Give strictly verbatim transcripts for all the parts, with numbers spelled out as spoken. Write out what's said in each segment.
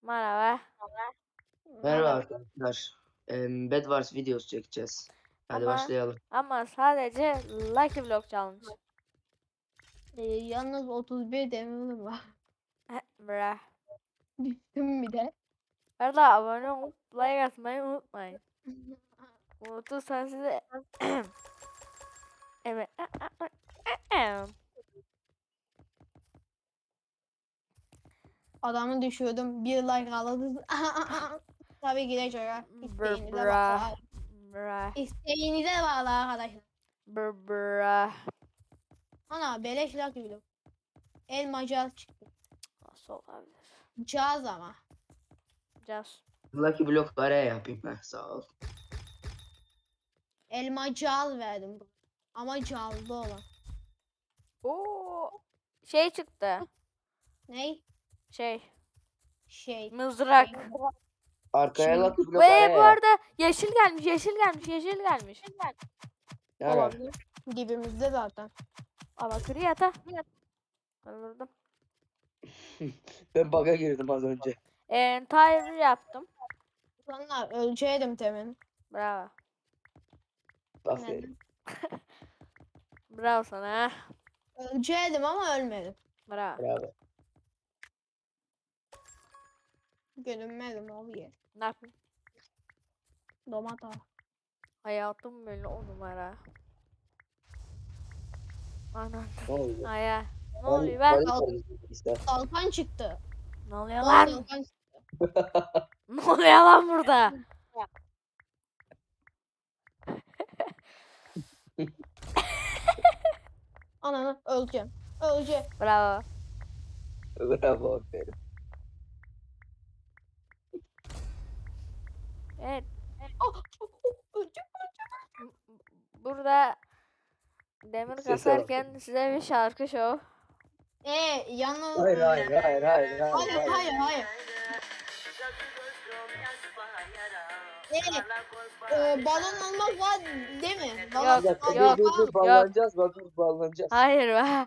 Merhaba. Merhaba arkadaşlar. Em, Bed Wars videosu çekeceğiz. Hadi Ama başlayalım. ama sadece Lucky Block Challenge. Ee, yalnız otuz bir demirim var. Bra. Düştüm bir de. Arada abone olup like atmayı unutmayın. Unutursan size evet. Adamı düşürdüm. Bir like alırız. Tabii gidecek ha. Bra İsteğinize bra. bağlı. Bra. İsteğinize bağlı arkadaşlar. Bra bra. Ana beleş Lucky Block. Elma caz çıktı. Nasıl olabilir? Caz ama. Just. Lucky Block araya yapayım ben, sağ ol. Elma caz verdim. Ama cazlı olan. Oo. Şey çıktı. Ney? Şey. Şey. Mızrak. Arkaya Şimdi- Lucky Block Ve araya bu yap. arada yeşil gelmiş, yeşil gelmiş, yeşil gelmiş. Ne ara? Olabilir. Dibimizde zaten. Ama kriyata. Öldürdüm. Ben bug'a girdim az önce. Eee tire yaptım. Sonra ölçeydim temin. Bravo. Aferin. Bravo sana. Ölçeydim ama ölmedim. Bravo. Bravo. Görünmedim abi. Ne yapayım? Domata. Hayatım böyle on numara. Anan. Ne oldu? Aya. Ne Ben- oluyor ben? ben sorayım işte. Kalkan çıktı. Ne oluyor Bol lan? kalkan Ne oluyor lan burada? Ananı öleceğim. Öleceğim. Bravo. Bravo, aferin. Evet. Oh, oh, oh, öleceğim. Burada demir Sese kasarken size bir şarkı show. Ee, yalnız... Hayır hayır hayır hayır hayır. Hayır, hayır, hayır. Ee, e, balon olmak var değil mi? Balon Yok, Bir dakika, yok, dur dur dur, bağlanacağız, bak dur bağlanacağız. Hayır be.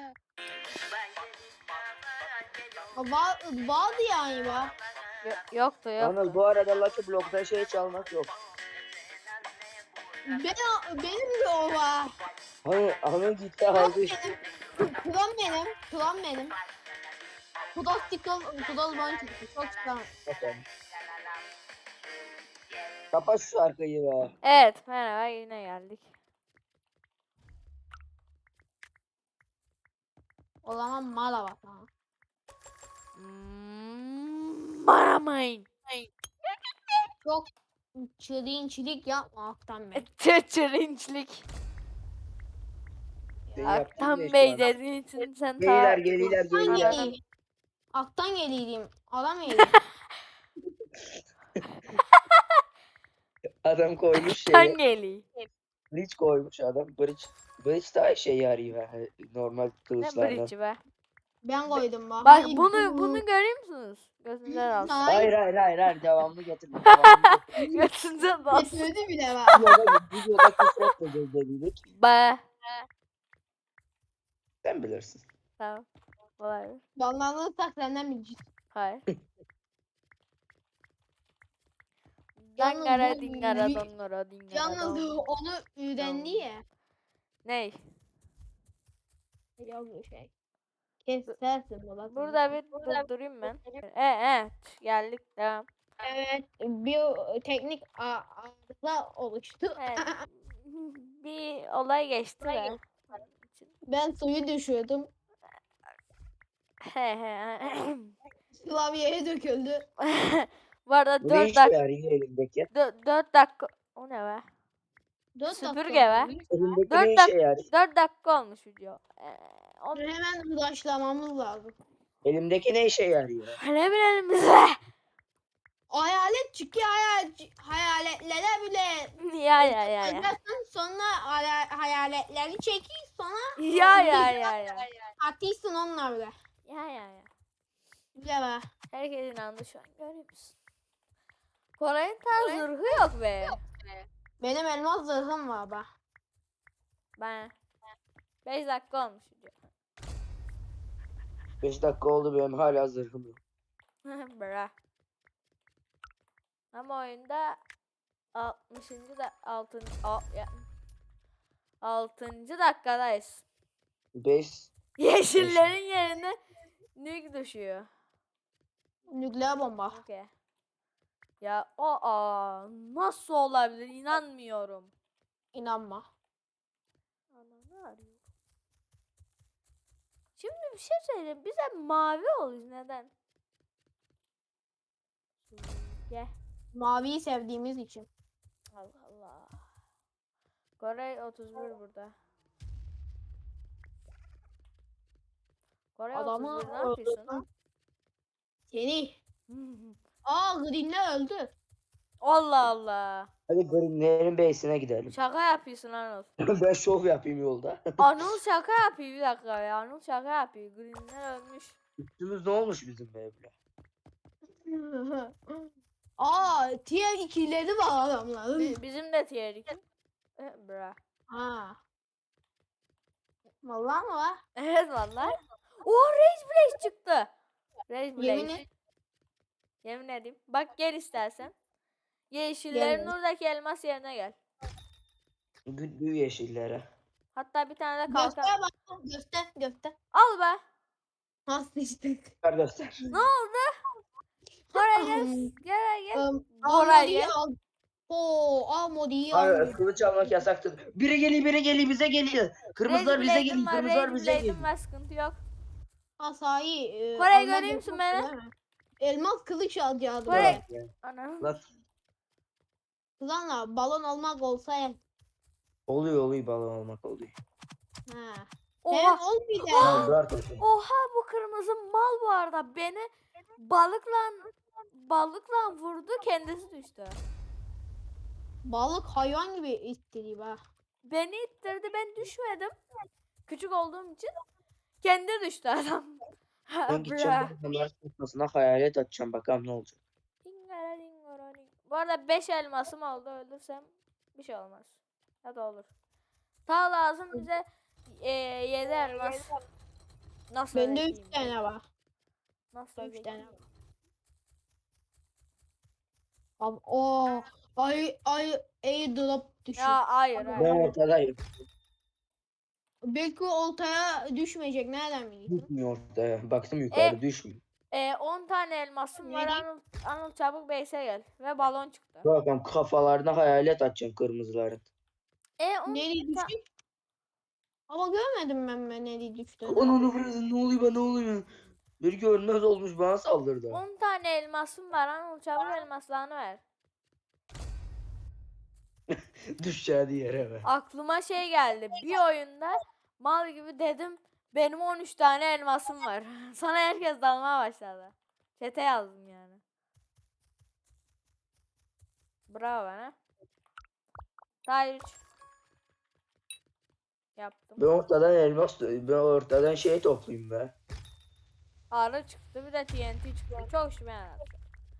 var, vardı yani var. Yo- yoktu Anıl, yoktu. bu arada Lucky Block'ta şey çalmak yok. Ben, benim de o var. Hani Anıl gitti Kuram aldı işte. benim. Kuram benim. Kuram benim. Kudas tikol, kudas bana çıktı. Çok çıkan. Bakalım. Kapat şu şarkıyı be. Evet merhaba yine geldik. O zaman mala var. Tamam. Hmm, Baramayın. Çok çilinçlik yapma Aktan Bey. Çırçırınçlik. Sen yaptın ya Aktan şu Bey an. dediğin için sen Geliler ta... geliler Aktan geliler. geleyim. Aktan geleyim. Adam geleyim. Adam koymuş Aktan şeyi. geliyor. Bridge koymuş adam. Bridge. Bridge daha işe yarıyor ha, normal Ne kılıçlardan. bridge'i be. Ben koydum bak. Bak Hayır, bunu bu- bunu görüyor musunuz? Gözünüze dalsın. Hayır hayır hayır hayır, devamlı getirme. Devamlı getirme. Gözünüze dalsın. Getirdi bile var. Videoda, videoda küfretmeyeceğiz dedik. Be. Sen bilirsin. Tamam. Olabilir. Banlanırsak senden bileceğiz. Hayır. Yalnız Dangara bu- dingara bir- dongara dingara Yalnız dong. onu öğrendi ya. Ney? Yok bir şey. Kesersin baba. Burada bir durdurayım ben. E e geldik devam. Evet, bir teknik a- arıza oluştu. Evet. Bir olay geçti de. Ben suyu düşürdüm. He he. Klavyeye döküldü. Bu arada Bu ne dört işe dakika yarıyor elindeki? dört dakika o ne be? Dört Süpürge dakika be. oldu. Elindeki Dört ne dak- işe yarıyor? dört dakika olmuş video. Ee, o Hemen ulaşlamamız lazım. Elimdeki ne işe yarıyor? ne bilelim biz be. Hayalet çıktı hayal hayaletlere bile Ya ya ya ya. ödersin sonra haya- hayaletleri çekil sonra Ya ya ya ya. atıyorsun onlarla. Ya ya ya. Güzel be. Herkes inandı şu an görüyor musun? Koray'ın tarz zırhı yok be. Benim elmas zırhım var be. Ben. beş dakika olmuş video. beş dakika oldu, benim hala zırhım yok. Bra. Ama oyunda altmışıncı da altıncı ya, altıncı dakikadayız. beş. Yeşillerin yerine nük düşüyor. Nükleer bomba. Okey. Ya o aa, nasıl olabilir inanmıyorum. İnanma. Ananı arıyor. Şimdi bir şey söyleyeyim. Biz hep mavi oluyoruz. Neden? Gel. Maviyi sevdiğimiz için. Allah Allah. Kore otuz bir burada. Kore Adamı otuz bir ne yapıyorsun? öldürdüm. Seni. Aa Green'ler öldü. Allah Allah. Hadi Green'lerin base'ine gidelim. Şaka yapıyorsun Anıl. Ben şov yapayım yolda. Anıl şaka yapıyor bir dakika ya. Anıl şaka yapıyor. Greenler ölmüş. Üstümüz ne olmuş bizim böyle? Aa tier ikileri var adamların. Bi- bizim de tier iki. Eh, bra. Ha. Vallahi mı var? Evet vallahi. Oh Rage Blaze çıktı. Rage Blaze. Yemin et. Yemin edeyim. Bak gel istersen. Yeşillerin Gel. oradaki elmas yerine gel. Gül yeşillere. Hatta bir tane de kalkan. Göster bak. Göster göster. Al be. Ha sıçtık. Ver göster. Ne oldu? Koray gel. Gel gel. Um, Koray Almodi'yi gel. al. Oo Almodi'yi Hayır, al. kılıç almak yasaktır. Biri geliyor, biri geliyor, bize geliyor. Kırmızılar Rage bize Blade'im geliyor, var. kırmızılar Rage bize Blade'im geliyor. var. Sıkıntı yok. Asayi. E, Koray almak göreyim misin yasak, beni? değil mi? Elmas kılıç alacaktım. Koray. ben. Ana. Lan, Kızanla balon almak olsa ya. oluyor oluyor balon almak oluyor. Ha. Oha. Sen olmayacak. Tamam, dur arkadaşlar. Oha bu kırmızı mal bu arada. Beni balıkla balıkla vurdu. Kendisi düştü. Balık hayvan gibi istediği ha. Beni ittirdi. Ben düşmedim. Küçük olduğum için. Kendi düştü adam. Ha, Ben gideceğim bra. balkonların kafasına hayalet atacağım, bakalım ne olacak. Dingara dingara ding. Bu arada beş elmasım oldu. Öldürsem bir şey olmaz. Ya da olur. Ta lazım bize e, yedi elmas. Nasıl Bende öğreteyim üç tane var. Nasıl Üç öğreteyim? tane var. Abi o ay ay airdrop düşüyor. Ya hayır Ben hayır. ortadayım. Belki oltaya düşmeyecek. Nereden biliyorsun? Düşmüyor ortaya. Baktım yukarı düşmüyor. E, on tane elmasım var. Ne? Anıl, Anıl çabuk base'e gel. Ve balon çıktı. Bakalım kafalarına hayalet atacağım kırmızıların. E on, Nereye ta- düştü? Ama görmedim ben ben nereye düştüğünü. Onu vurun, ne oluyor bana, ne oluyor? Bir görünmez olmuş, bana saldırdı. on tane elmasım var. Anıl çabuk elmaslarını ver. Düşeceği yere ver. Aklıma şey geldi. Bir oyunda mal gibi dedim. Benim on üç tane elmasım var. Sana herkes dalmaya başladı. Çete yazdım yani. Bravo bana. Daha üç. Yaptım. Ben ortadan elmas, ben ortadan şey toplayayım be. Arı çıktı bir de T N T çıktı. Çok şüphe yarattı.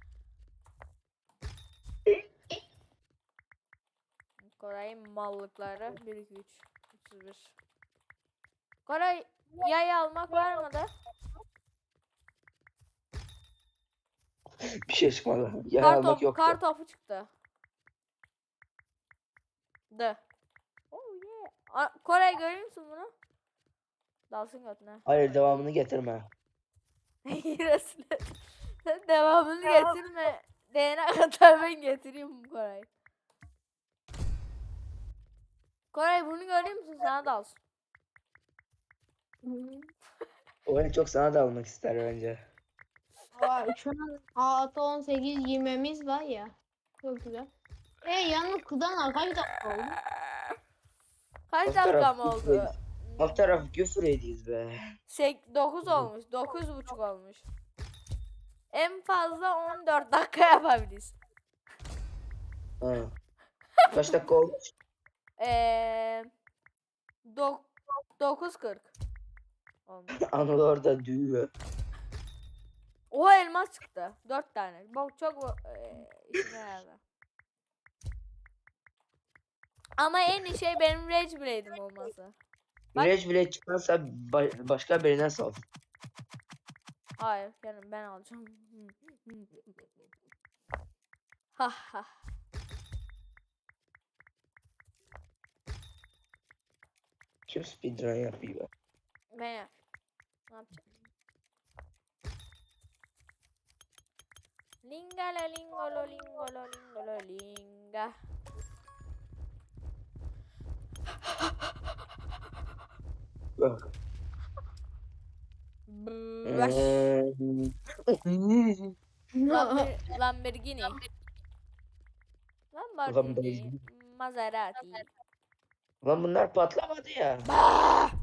Koray'ın mallıkları bir iki üç otuz bir. Koray yay almak var mı da? Bir şey çıkmadı. Yer Kar, almak topu, yok. kar topu çıktı. De. Oh yeah. A- Koray görüyor musun bunu? Dalsın götüne. Hayır, devamını getirme. Resul et. Sen devamını getirme. Diyene kadar ben getireyim bu Koray. Koray bunu görüyor musun? Sana dalsın. O en çok sana da almak ister bence. Aa, şu an altı on sekiz yirmimiz var ya. Çok güzel. E yalnız kızdan kaç dakika oldu? Kaç Alt dakika taraf mı küfür oldu? Alt taraf küfür ediyiz be. dokuz olmuş. dokuz buçuk olmuş. En fazla on dört dakika yapabiliriz. Ha. Kaç dakika olmuş? Eee dokuz kırk olmuş. Anıl orada düğüyor. O elmas çıktı. dört tane. Bak çok eee işime yaradı. Ama en iyi şey benim Rage Blade'im olması. Bak- Güneş bile çıkarsa ba- başka birine sal. Hayır canım ben alacağım. Ha ha. Kim speedrun yapıyor? Ben yap. Ne yapacağım? Lingala lingolo lingolo lingolo linga. Bak. Baş. Hmm. Lamber Lamborghini. Lamborghini. Lamborghini. Maserati. Lan bunlar patlamadı ya. Bah!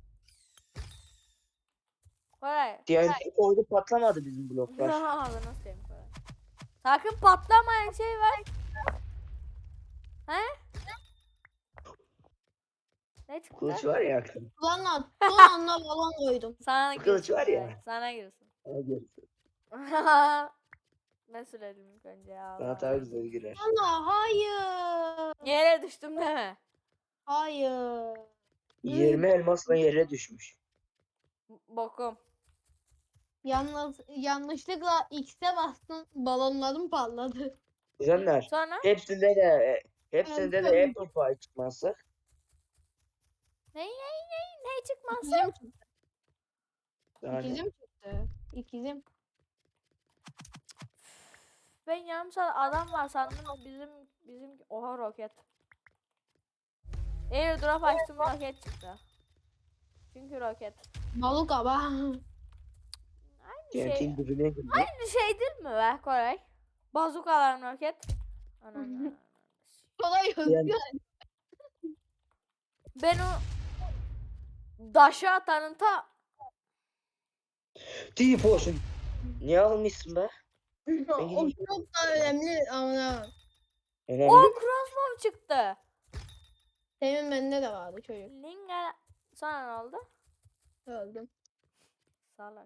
Koray. T N T koydu patlamadı bizim bloklar. Ağzına sıkayım Koray. Sakın patlamayan şey var. He? Ne çıktı? Kılıç var ya. Lan at. Son anda balon koydum. Sana Kılıç girsin var ya. Koray, Sana girsin. Ben söyledim ilk önce ya. Sana Allah. daha güzel girer. Ana hayır. Yere düştüm deme. Hayır. yirmi elmasla yere düşmüş. Bokum. Yalnız yanlışlıkla X'e bastım. Balonlarım patladı. Güzeller. Sonra Hepsinde de hepsinde de Evet. Apple Pie çıkması. ne ne ne ne çıkmaz? İkizim çıktı. Yani İkizim çıktı. İkizim. Ben yarım saat adam var sandım bizim bizim oha roket. Airdrop açtım roket çıktı. Çünkü roket. Balık ama. Aynı şey, T N T'nin dibine girdi. aynı şey değil mi be Koray? Bazukalar roket. Ananı. Kolay Yani- hızlı. Ben o daşı atanın ta T-Potion. Niye almışsın be? O çok da önemli ama. Önemli. o crossbow çıktı. Demin bende de vardı çocuk. Linga sonra ne oldu? Öldüm. Sağlar.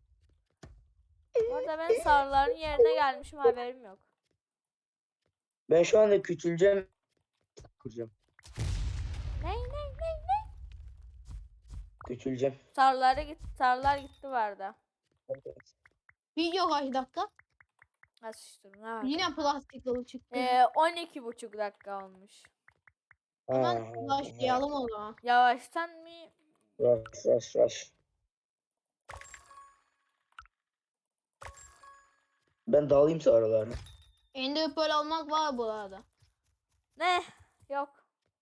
Bu arada ben sarıların yerine gelmişim haberim yok. Ben şu anda küçüleceğim. Kuracağım. Ne ne ne ne? Küçüleceğim. Sarıları git sarılar gitti vardı. Video kaç dakika? Nasıl sıçtım ne var? Yine plastik dolu çıktı. Ee, on iki buçuk dakika olmuş. Hemen başlayalım o zaman. Yavaştan mı? Rush rush rush. Ben dağılayım aralarına. Ender Pearl almak var bu arada. Ne? Yok.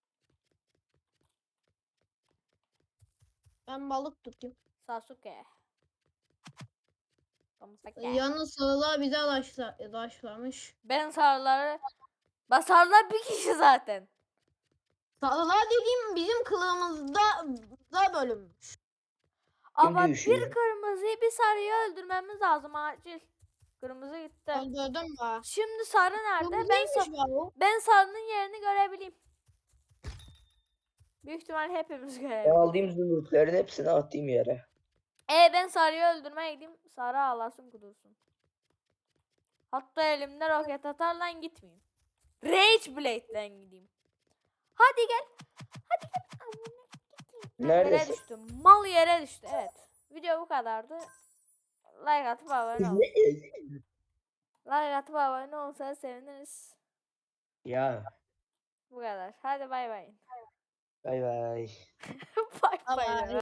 Ben balık tutayım. Sasuke. Sasuke. Yalnız sarılar bize taşla, taşlamış. Ben sarıları... Bak sarılar bir kişi zaten. Sarılar dediğim bizim kılığımızda da bölünmüş. Ama düşüyor? bir kırmızıyı bir sarıyı öldürmemiz lazım acil. Kırmızı gitti. Öldürdüm mü? Şimdi sarı nerede? Bu Ben, neymiş sa- be o? ben sarının yerini görebileyim. Büyük ihtimal hepimiz Ben görebiliriz. aldığım zümrütlerin hepsini attığım yere. E ben sarıyı öldürmeye gideyim. Sarı ağlasın kudursun. Hatta elimde roket atarla gitmeyeyim. Rage Blade'den gideyim. Hadi gel. Hadi gel. Amına gideyim. Yere Neredesin? düştüm. Mal yere düştü. Evet. Video bu kadardı. Like atıp abone olun. Like atıp abone olsanız seviniriz. Ya. Bu kadar. Hadi bay bay. Bay bay. Bay Bye bay. bye.